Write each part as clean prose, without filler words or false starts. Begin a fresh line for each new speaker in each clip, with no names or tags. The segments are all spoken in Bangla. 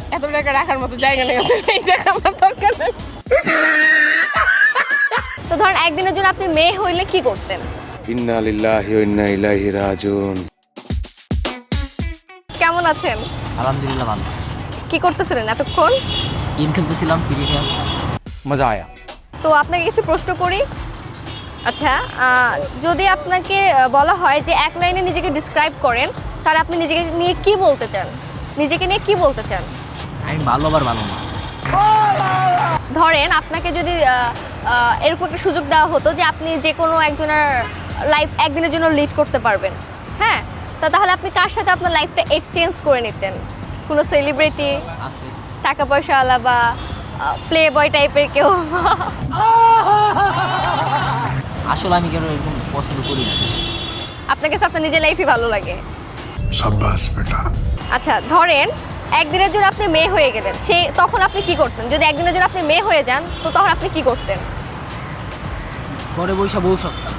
এত টাকা রাখার মতো জায়গা নেই, এই টাকা আমার দরকার নেই।
তো ধরেন একদিনের জন্য আপনি মেয়ে হইলে কি করতেন?
ইন্না লিল্লাহি ওয়া ইন্না ইলাইহি রাজিউন।
কেমন আছেন?
আলহামদুলিল্লাহ ভালো।
কি করতেছিলেন এতক্ষণ?
গেম খেলতেছিলাম, ফ্রি ফায়ার।
মজা আয়া।
তো আপনাকে কিছু প্রশ্ন করি। আচ্ছা, যদি আপনাকে বলা হয় যে এক লাইনে নিজেকে ডিসক্রাইব করেন, তাহলে আপনি নিজেকে নিয়ে কি বলতে চান? নিজেকে নিয়ে কি বলতে চান?
আমি ভালো আবার ভালো না।
ধরেন আপনাকে যদি এরকম একটা সুযোগ দেওয়া হতো যে আপনি যে কোনো একজনের লাইফ একদিনের জন্য লিড করতে পারবেন, হ্যাঁ, তাহলে আপনি কার সাথে আপনার লাইফটা এক্সচেঞ্জ করে নিতেন? কোনো সেলিব্রিটি,
আছে
টাকা পয়সাওয়ালা বা প্লে বয় টাইপের কেউ?
আসলে আমি কেন এরকম পছন্দ করি না।
আপনার কাছে আপনার নিজের লাইফই ভালো লাগে?
শাবাশ বেটা।
আচ্ছা, ধরেন একদিনের জন্য আপনি মেয়ে হয়ে গেলেন, তখন আপনি কি করতেন? যদি একদিনের জন্য আপনি মেয়ে হয়ে যান, তো তখন আপনি কি করতেন?
ঘরে বৈশা বউ সস্তা।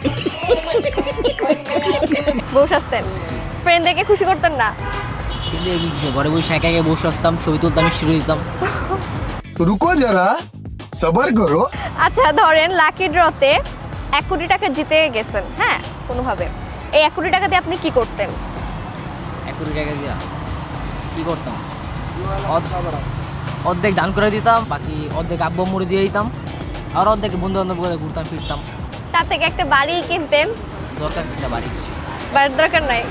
বউ সাজতেন? ফ্রেন্ডদেরকে খুশি করতেন না?
কিন্তু এমনি কি, ঘরে বৈশা একা একা বসে আসতাম, ছবি তুলতাম, শিরো দিতাম।
रुको जरा सबर करो।
আচ্ছা, ধরেন লাকি ড্রতে 1 কোটি টাকা জিতে গেছেন, হ্যাঁ, কোনোভাবে। এই 1 কোটি টাকা দিয়ে আপনি কি করতেন?
1 কোটি টাকা দিয়া কি করতাম? অর্ধেক দান করে দিতাম, বাকি অর্ধেক আব্বু মুড়ে দিয়ে দিতাম, আর অর্ধেক বন্ধু বান্ধব করে ঘুরতাম ফিরতাম।
তার থেকে একটা বাড়ি কিনতেন।
দরকার একটা বাড়ি।
বাড়ির দরকার নাই।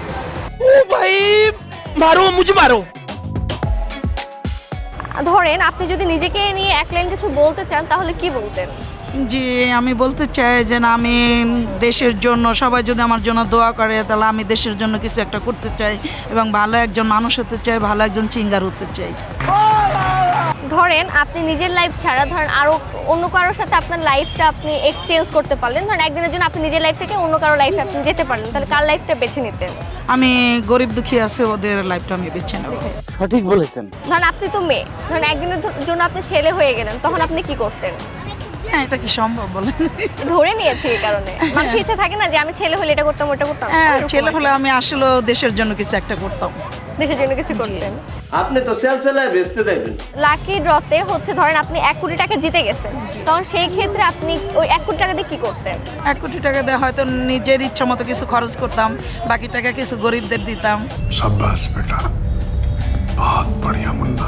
ধরেন আপনি যদি নিজেকে নিয়ে এক লাইন কিছু বলতে চান, তাহলে কি বলতেন?
জি, আমি বলতে চাই যে না, আমি দেশের জন্য, সবাই যদি আমার জন্য দোয়া করে, তাহলে আমি দেশের জন্য কিছু একটা করতে চাই এবং ভালো একজন মানুষ হতে চাই, ভালো একজন সিঙ্গার হতে চাই।
ধরেন আপনি নিজের লাইফ ছাড়া ধরেন আরো অন্য কারোর সাথে আপনার লাইফটা আপনি এক্সচেঞ্জ করতে পারলেন। ধরেন একদিনের জন্য আপনি নিজের লাইফ থেকে অন্য কারো লাইফে আপনি যেতে পারলেন, তাহলে কার লাইফটা বেছে নিতেন?
আমি গরিব দুঃখী আছে, ওদের লাইফটা আমি বেছে নেব।
সঠিক বলেছেন।
ধরেন আপনি তো মেয়ে, ধরেন একদিনের জন্য আপনি ছেলে হয়ে গেলেন, তখন আপনি কি করতেন?
হ্যাঁ, এটা কি সম্ভব বলেন?
ধরে নিয়েছি এই কারণে। মানুষের ইচ্ছা থাকে না যে আমি ছেলে হলে এটা করতাম, ওটা করতাম।
হ্যাঁ,
এরকম
ছেলে
আর কি।
হলে আমি আসলে দেশের জন্য কিছু একটা করতাম।
দেশের জন্য কিছু করতেন।
আপনি তো সেলসেলায় বেচতে যাইবেন।
লাকি ড্রতে হচ্ছে ধরেন আপনি 1 কোটি টাকা জিতে গেছেন, তখন সেই ক্ষেত্রে আপনি ওই 1 কোটি টাকা দিয়ে কি করতেন?
1 কোটি টাকা দিয়ে হয়তো নিজের ইচ্ছা মতো কিছু খরচ করতাম, বাকি টাকা কিছু গরিবদের দিতাম।
शाबाश बेटा, बहुत बढ़िया मुन्ना।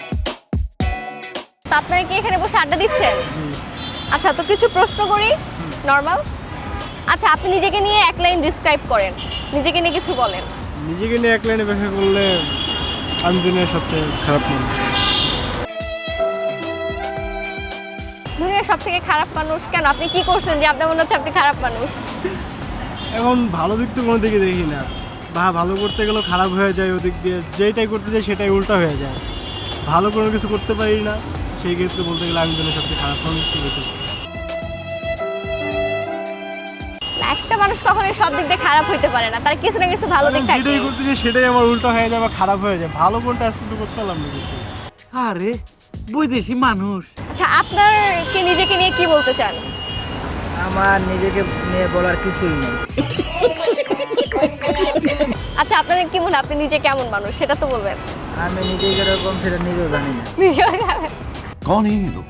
তো আপনারা কি এখানে বসে আড্ডা দিচ্ছেন? আচ্ছা, তো কিছু প্রশ্ন করি নরমাল। আচ্ছা, আপনি নিজেকে নিয়ে এক লাইন ডিসক্রাইব করেন, নিজেকে নিয়ে কিছু বলেন।
নিজেকে নিয়ে এক লাইনে ব্যাখ্যা করলে আমি দুনিয়ার সবচেয়ে খারাপ মানুষ।
দুনিয়ার সব থেকে খারাপ মানুষ কেন? আপনি কি করছেন যে আপনার মনে হচ্ছে আপনি খারাপ মানুষ?
এখন ভালো দিক তো কোনো দিকে দেখি না, বা ভালো করতে গেলেও খারাপ হয়ে যায় ওদিক দিয়ে, যেটাই করতে যাই সেটাই উল্টা হয়ে যায়, ভালো কোনো কিছু করতে পারি না। সেই ক্ষেত্রে বলতে গেলে আমি দুনিয়ার সবচেয়ে খারাপ মানুষ।
একটা মানুষ কখনোই সব দিক দিয়ে খারাপ হইতে পারে না, তার কিছু না কিছু ভালো দিক থাকে।
যেটাই করতে যাই সেটাই আমার উল্টা হয়ে যায় বা খারাপ হয়ে যায়, ভালো কোনটা আজকে করতে পারলাম না কিছু।
আরে বৈদেশি মানুষ।
আচ্ছা, আপনার কি নিজেকে নিয়ে কি বলতে চান?
আমার নিজেকে নিয়ে বলার কিছুই নেই।
আচ্ছা, আপনার কি মনে হয় আপনি নিজে কেমন মানুষ সেটা তো বলবেন।
আমি নিজেকে এরকম সেটা নিজেও জানি না।
নিজেও জানেন।
कौन है ये लोग?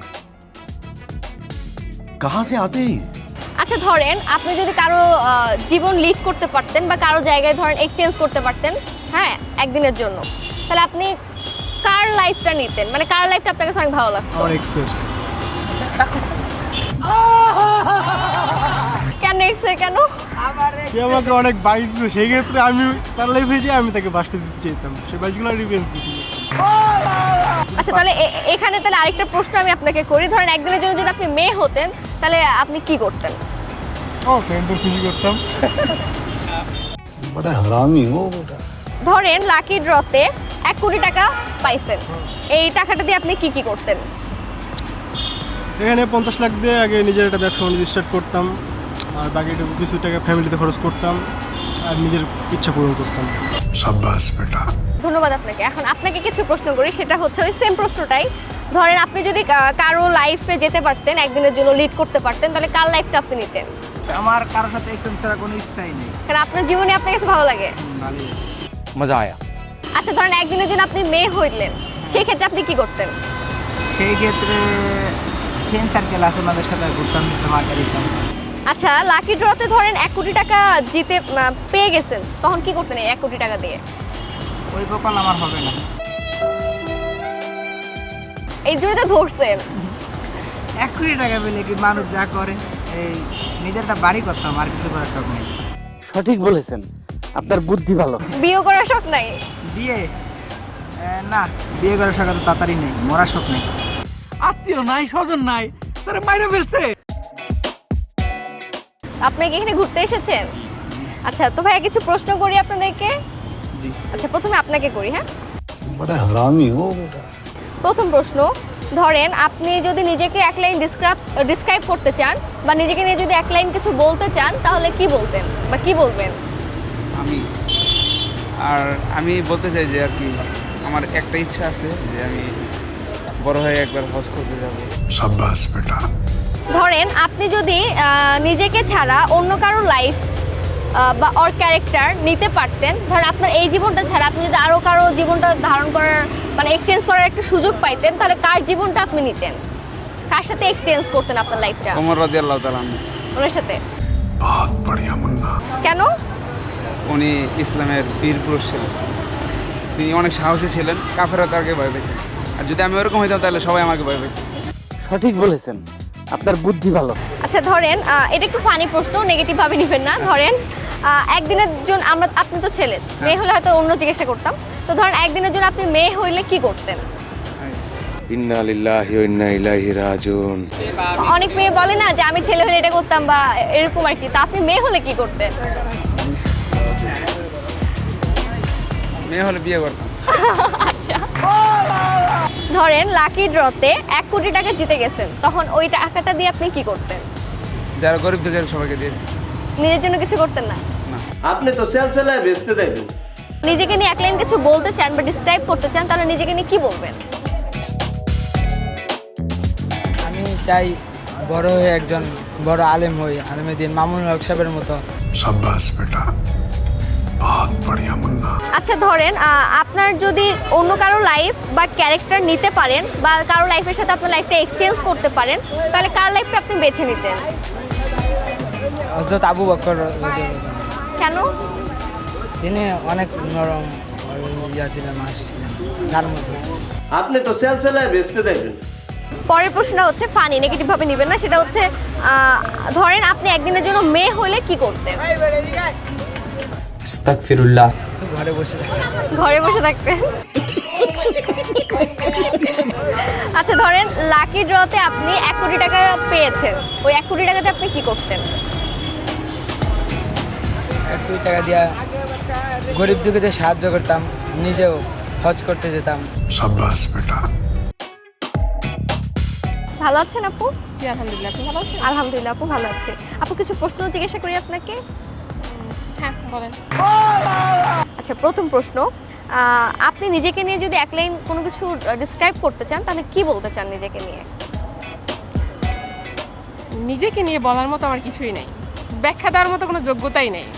कहाँ से आते हैं?
আচ্ছা, ধরেন আপনি যদি কারো জীবন লিড করতে পারতেন বা কারো জায়গায় ধরেন এক্সচেঞ্জ করতে পারতেন, হ্যাঁ, একদিনের জন্য, তাহলে আপনি কার লাইফটা নিতেন? মানে কার লাইফটা আপনার কাছে অনেক ভালো লাগতো?
আমার এক্সের।
কেন এক্সের? কেন?
সে আমাকে অনেক বাইক দিচ্ছে, সেই ক্ষেত্রে আমি তার লাইফে যেয়ে আমি তাকে বাসটা দিতে চাইতাম, সেই বাইকগুলো রিভেঞ্জ দিতে।
আচ্ছা, তাহলে এখানে তাহলে আরেকটা প্রশ্ন আমি আপনাকে করি। ধরেন একদিনের জন্য যদি আপনি মেয়ে হতেন, তাহলে আপনি কি করতেন?
ও ফ্রেন্ডদের খুশি করতাম।
बड़ा हरामी हो बेटा।
ধরেন লাকি ড্রতে 1 কোটি টাকা পাইছেন, এই টাকাটা দিয়ে আপনি কি কি করতেন?
এখানে 50 লাখ দিয়ে আগে নিজের একটা ব্যবসা বাণিজ্য স্টার্ট করতাম, আর বাকি কিছু টাকা ফ্যামিলিতে খরচ করতাম, আর নিজের ইচ্ছা পূরণ করতাম।
शाबाश बेटा।
ধন্যবাদ আপনাকে। এখন আপনাকে কিছু প্রশ্ন করি, সেটা হচ্ছে ওই সেম প্রশ্নটাই। ধরেন আপনি যদি কারো লাইফে যেতে পারতেন, একদিনের জন্য লিড করতে পারতেন, তাহলে কার লাইফটা আপনি নিতেন?
আমার কারোর সাথে এক্সচেঞ্জ করার কোনো ইচ্ছাই নেই।
কারণ আপনার জীবনে আপনার কাছে ভালো লাগে।
মজা আয়া।
আচ্ছা, ধরেন একদিনের জন্য আপনি মেয়ে হইলেন, সেই ক্ষেত্রে আপনি কি করতেন?
সেই ক্ষেত্রে ফ্রেন্ড সার্কেল আছে ওনাদের সাথে ঘুরতাম ফিরতাম আড্ডা দিতাম।
আচ্ছা, লাকি ড্রতে ধরেন 1 কোটি টাকা জিতে পেয়ে গেছেন, তখন কি করতেন এই 1 কোটি টাকা দিয়ে?
ওই কপাল আমার হবে না।
এই জন্য তো ধরছেন।
1 কোটি টাকা পেলে কি মানুষ যা করে, এই নিজের একটা বাড়ি করতাম, আর কিছু করার শখ নেই।
সঠিক বলেছেন, আপনার বুদ্ধি ভালো।
বিয়ে করার শখ নাই?
বিয়ে না, বিয়ে করার শখ তো তাড়াতাড়ি নেই, মরার শখ নেই।
আত্মীয় নাই, স্বজন নাই, তারা মাইরা ফেলছে।
আপনি কি এখানে ঘুরতে এসেছেন? আচ্ছা, তো ভাইয়া কিছু প্রশ্ন করি আপনাদেরকে। আচ্ছা, প্রথমে আপনাকে করি। হ্যাঁ,
बड़ा हरामी हो बेटा।
প্রথম প্রশ্ন, ধরেন আপনি যদি নিজেকে এক লাইন ডিসক্রাইব করতে চান বা নিজেকে নিয়ে যদি এক লাইন কিছু বলতে চান, তাহলে কি বলতেন বা কি বলবেন?
আমি বলতে চাই যে আর কি আমার একটা ইচ্ছা আছে যে আমি বড় হয়ে একবার হজ করতে যাব।
शाबाश बेटा।
ধরেন আপনি যদি নিজেকে ছাড়া অন্য কারো লাইফ বা ওর ক্যারেক্টার নিতে পারতেন, ধরেন আপনার এই জীবনটা ছাড়া আপনি যদি আরও কারো জীবনটা ধারণ করার মানে এক্সচেঞ্জ করার একটা সুযোগ পাইতেন, তাহলে কার জীবনটা আপনি নিতেন? কার সাথে এক্সচেঞ্জ করতেন আপনার লাইফটা?
ওমর রাদিয়াল্লাহু তাআলা আনহু।
ওনার সাথে?
बहुत बढ़िया मुन्ना।
কেন?
উনি ইসলামের বীর পুরুষ ছিলেন, তিনি অনেক সাহসী ছিলেন, কাফেররা তাকে ভয় পেত। আর যদি আমি ওরকম হইতাম তাহলে সবাই আমাকে ভয় পেত।
সঠিক বলেছেন, আপনার বুদ্ধি ভালো।
আচ্ছা, ধরেন এটা একটু ফানি প্রশ্ন, নেগেটিভ ভাবে নেবেন না। ধরেন একদিনের জন্য আপনি তো ছেলে, মেয়ে হলে হয়তো অন্য জিজ্ঞাসা করতাম। তো ধরেন একদিনের জন্য আপনি মেয়ে হইলে কি করতেন?
ইন্না লিল্লাহি ওয়া ইন্না ইলাইহি রাজিউন।
অনেক মেয়ে বলে না যে আমি ছেলে হলে এটা করতাম বা এরকম আর কি, তো আপনি মেয়ে হলে কি করতেন?
মেয়ে হলে বিয়ে করতাম।
আচ্ছা, ধরেন লাকি ড্রতে 1 কোটি টাকা জিতে গেছেন, তখন ওই টাকাটা দিয়ে আপনি কি করতেন?
যারা গরিব দুঃখী সবাইকে দিয়ে দিই।
নিজের জন্য কিছু করতেন না?
আপনি তো সেল সেলায় বেচতে যাইবেন।
নিজেকে নিয়ে এক লাইন কিছু বলতে চান বা ডিসক্রাইব করতে চান, তাহলে নিজেকে নিয়ে কি বলবেন?
আমি চাই বড় হয়ে একজন বড় আলেম হই, আলেমে দিন মামুনুল হক সাহেবের মতো।
शाबाश बेटा। बहुत बढ़िया मुन्ना।
আচ্ছা, ধরেন আপনার যদি অন্য কারো লাইফ বা ক্যারেক্টার নিতে পারেন বা কারো লাইফের সাথে আপনার লাইফটা এক্সচেঞ্জ করতে পারেন, তাহলে কার লাইফটা আপনি বেছে নিতেন?
হযরত আবু বকর।
কেন?
তিনি অনেক নরম দিনের মানুষ ছিলেন, তার মতো।
আপনি তো সেল সেলায় বেচতে যাইবেন।
পরের প্রশ্নটা হচ্ছে ফানি, নেগেটিভ ভাবে নেবেন না। সেটা হচ্ছে ধরেন আপনি একদিনের জন্য মেয়ে হলে কি করতেন?
আস্তাগফিরুল্লাহ।
ঘরে বসে থাকি।
ঘরে বসে থাকতেন। আচ্ছা, ধরেন লাকি ড্রতে আপনি 1 কোটি টাকা পেয়েছেন, ওই 1 কোটি টাকাতে আপনি কি করতেন?
1 কোটি টাকা দিয়া গরিব দুঃখীদের সাহায্য করতাম, নিজেও হজ করতে যেতাম।
शाबाश बेटा।
ভালো আছেন আপু?
জি আলহামদুলিল্লাহ, আপনি ভালো আছেন?
আলহামদুলিল্লাহ আপু, ভালো আছি। আপু, কিছু প্রশ্ন জিজ্ঞাসা করি আপনাকে।
হ্যাঁ বলেন।
আচ্ছা, প্রথম প্রশ্ন, আপনি নিজেকে নিয়ে যদি এক লাইন কোনো কিছু ডিসক্রাইব করতে চান, তাহলে কি বলতে চান নিজেকে নিয়ে?
নিজেকে নিয়ে বলার মতো আমার কিছুই নেই, ব্যাখ্যা দেওয়ার মতো কোনো যোগ্যতাই নেই।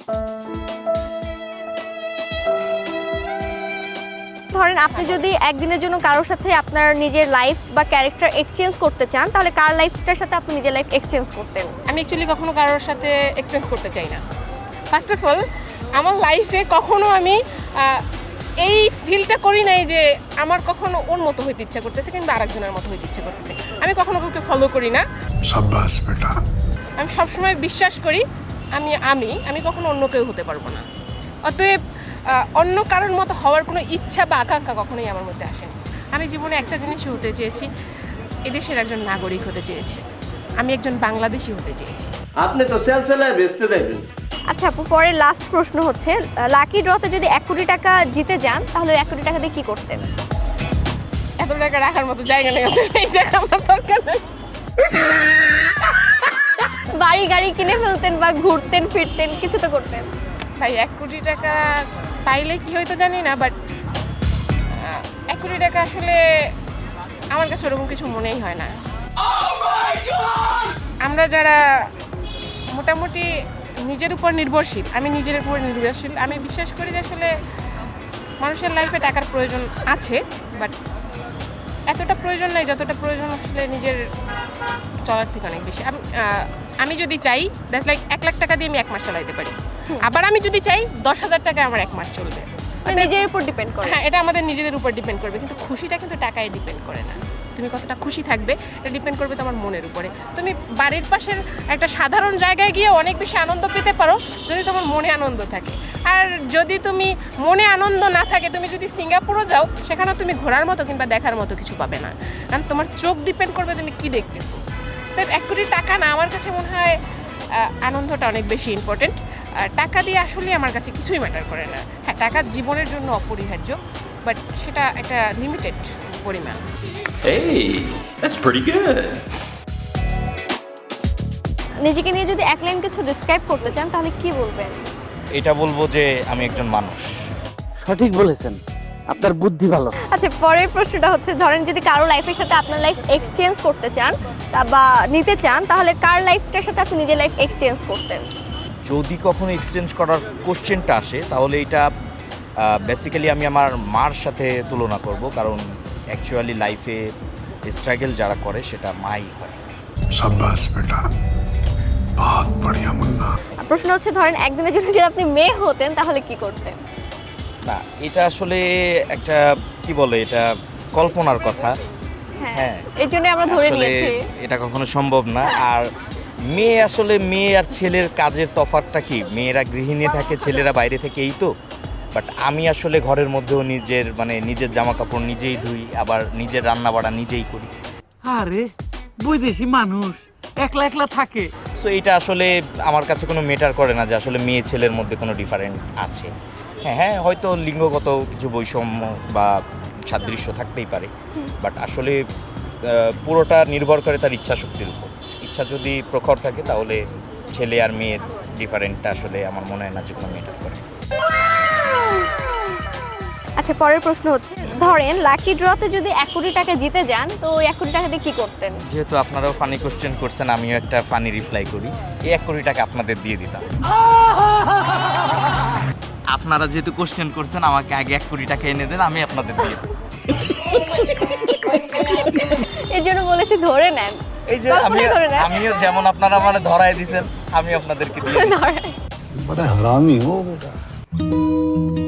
ধরেন আপনি যদি একদিনের জন্য কারোর সাথে আপনার নিজের লাইফ বা ক্যারেক্টার এক্সচেঞ্জ করতে চান, তাহলে কার লাইফটার সাথে আপনি নিজের লাইফ এক্সচেঞ্জ করতেন?
আমি অ্যাকচুয়ালি কখনো কারোর সাথে এক্সচেঞ্জ করতে চাই না। ফার্স্ট অফ অল, আমার লাইফে কখনো আমি এই ফিলটা করি নাই যে আমার কখনো ওর মতো হইতে ইচ্ছা করতেছে কিংবা আরেকজনের মতো হইতে ইচ্ছা করতেছে। আমি কখনো কাউকে ফলো করি না।
शाबाश बेटा।
আমি সবসময় বিশ্বাস করি আমি কখনো অন্য কেউ হতে পারবো না। অতএব অন্য কারোর মতো হওয়ার কোনো ইচ্ছা বা আকাঙ্ক্ষা কখনোই আমার মধ্যে আসেনি। আমি জীবনে একটা জিনিসই হতে চেয়েছি, এদেশের একজন নাগরিক হতে চেয়েছি, আমি একজন বাংলাদেশি হতে চেয়েছি।
আপনি তো সেল সেলায় বেচতে যাইবেন।
আচ্ছা আপু, পরের লাস্ট প্রশ্ন হচ্ছে, লাকি ড্রতে যদি 1 কোটি টাকা জিতে যান, তাহলে 1 কোটি টাকা দিয়ে কি করতেন?
এত টাকা রাখার মতো জায়গা নেই, এই টাকা আমার দরকার নেই।
বাড়ি গাড়ি কিনে ফেলতেন বা ঘুরতেন ফিরতেন, কিছু তো করতেন।
ভাই 1 কোটি টাকা পাইলে কি হয়তো জানি না, বাট 1 কোটি টাকা আসলে আমার কাছে ওরকম কিছু মনেই হয় না। আমরা যারা মোটামুটি নিজের উপর নির্ভরশীল, আমি নিজের উপর নির্ভরশীল, আমি বিশ্বাস করি যে আসলে মানুষের লাইফে টাকার প্রয়োজন আছে, বাট এতটা প্রয়োজন নাই যতটা প্রয়োজন আসলে নিজের চলার থেকে অনেক বেশি। আমি যদি চাই দ্যাটস লাইক 1 লাখ টাকা দিয়ে আমি 1 মাস চালাইতে পারি, আবার আমি যদি চাই 10,000 টাকায় আমার 1 মাস চলবে।
নিজের উপর ডিপেন্ড করে।
হ্যাঁ, এটা আমাদের নিজেদের উপর ডিপেন্ড করবে, কিন্তু খুশিটা কিন্তু টাকায় ডিপেন্ড করে না। তুমি কতটা খুশি থাকবে এটা ডিপেন্ড করবে তোমার মনের উপরে। তুমি বাড়ির পাশের একটা সাধারণ জায়গায় গিয়ে অনেক বেশি আনন্দ পেতে পারো যদি তোমার মনে আনন্দ থাকে। আর যদি তুমি মনে আনন্দ না থাকে, তুমি যদি সিঙ্গাপুরও যাও, সেখানে তুমি ঘোরার মতো কিংবা দেখার মতো কিছু পাবে না, কারণ তোমার চোখ ডিপেন্ড করবে তুমি কি দেখতেছো। তাই 1 কোটি টাকা না, আমার কাছে মনে হয় আনন্দটা অনেক বেশি ইম্পর্টেন্ট। টাকা দিয়ে আসলে আমার কাছে কিছুই ম্যাটার করে না। হ্যাঁ, টাকা জীবনের জন্য অপরিহার্য, বাট সেটা একটা লিমিটেড পরিমাণ।
নিজেকে নিয়ে যদি 1 লাইন কিছু ডিসক্রাইব করতে চান তাহলে কি বলবেন?
এটা বলবো যে আমি একজন মানুষ।
সঠিক বলেছেন, আপনার বুদ্ধি ভালো।
আচ্ছা, পরের প্রশ্নটা হচ্ছে, ধরেন যদি কারো লাইফের সাথে আপনার লাইফ এক্সচেঞ্জ করতে চান বা নিতে চান, তাহলে কার লাইফটার সাথে আপনি নিজের লাইফ এক্সচেঞ্জ করতেন?
যদি কখনো এক্সচেঞ্জ করার কোশ্চেনটা আসে তাহলে এটা বেসিক্যালি আমি আমার মার সাথে তুলনা করব, কারণ অ্যাকচুয়ালি লাইফে স্ট্রাগল যারা করে সেটা মাই হয়।
शाबाश बेटा, बहुत बढ़िया मुन्ना।
প্রশ্ন হচ্ছে, ধরেন একদিনের জন্য যদি আপনি মেয়ে হতেন তাহলে কি করতেন?
না, এটা আসলে একটা কি বলে, এটা কল্পনার কথা।
হ্যাঁ, এই জন্য আমরা ধরে
আসলে
নিয়েছি
এটা কখনো সম্ভব না। আর মেয়ে আসলে মেয়ে আর ছেলের কাজের তফাৎটা কি, মেয়েরা গৃহিণী থাকে, ছেলেরা বাইরে থেকে, এই তো। বাট আমি আসলে ঘরের মধ্যেও নিজের জামা কাপড় নিজেই ধুই, আবার নিজের রান্না বাড়া নিজেই করি।
আরে বৈদেশি মানুষ একলা একলা থাকে।
সো এটা আসলে আমার কাছে কোনো ম্যাটার করে না যে আসলে মেয়ে ছেলের মধ্যে কোনো ডিফারেন্ট আছে। হ্যাঁ, হয়তো লিঙ্গগত কিছু বৈষম্য বা সাদৃশ্য থাকতেই পারে, বাট আসলে পুরোটা নির্ভর করে তার ইচ্ছা শক্তির উপর। ইচ্ছা যদি প্রখর থাকে তাহলে ছেলে আর মেয়ের ডিফারেন্টটা আসলে আমার মনে হয় না যে কোনো ম্যাটার করে।
আচ্ছা, পরের প্রশ্ন হচ্ছে, ধরেন লাকি ড্রতে যদি 1 কোটি টাকা জিতে যান, তো ওই 1 কোটি টাকা দিয়ে কি করতেন?
যেহেতু আপনারাও ফানি কোশ্চেন করছেন, আমিও একটা ফানি রিপ্লাই করি। এই 1 কোটি টাকা আপনাদের দিয়ে দিতাম। আপনারা যেহেতু কোশ্চেন করছেন, আমাকে আগে 1 কোটি টাকা এনে দেন, আমি আপনাদের দিয়ে দেবো।
এই জন্য বলেছি ধরে নেন।
এই যে আমিও যেমন আপনারা মানে ধরায় দিছেন, আমি আপনাদেরকে দিয়ে দিচ্ছি।
बड़ा हरामी हो बेटा।